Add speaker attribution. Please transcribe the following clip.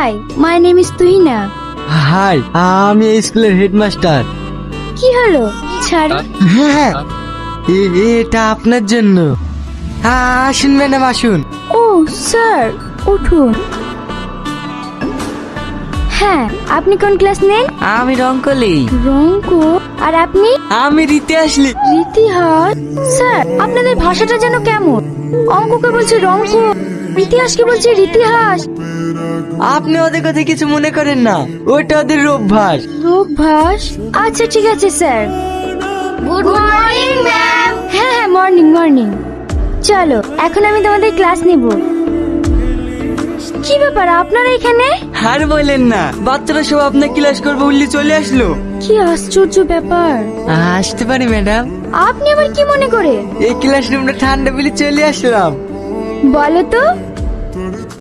Speaker 1: High, my name is Tuhina.
Speaker 2: Hi, আমি এই স্কুলের হেডমাস্টার।
Speaker 1: কি হলো ছাড়ো।
Speaker 2: হ্যাঁ, এটা আপনার জন্য। আসুন ম্যাডাম আসুন।
Speaker 1: ও স্যার, উঠুন। হ্যাঁ, আপনি কোন ক্লাস নেন?
Speaker 2: আমি রঙ্কলি।
Speaker 1: রঙ্কো। আর আপনি?
Speaker 2: আমি রীতি আসলি।
Speaker 1: ইতিহাস। স্যার, আপনাদের ভাষাটা যেন কেমন। অঙ্ককে বলছে রঙ্ক, ইতিহাসকে বলছে ইতিহাস।
Speaker 2: আপনি ওদের কথা কিছু মনে করেন না, ওটা ওদের অভ্যাস।
Speaker 1: অভ্যাস? আচ্ছা ঠিক আছে স্যার। Good morning ma'am. হ্যাঁ হ্যাঁ, মর্নিং মর্নিং। চলো, এখন আমি তোমাদের ক্লাস নিব। কি ব্যাপার আপনারা এখানে?
Speaker 2: আর বলেন না, বাচ্চারা সব আপনার ক্লাস করবে বললে চলে আসলো।
Speaker 1: কি আশ্চর্য ব্যাপার।
Speaker 2: আসতে পারি ম্যাডাম?
Speaker 1: আপনি আবার কি মনে করে?
Speaker 2: এই ক্লাস রুমটা ঠান্ডা বলে চলে আসলাম।
Speaker 1: বলো তো।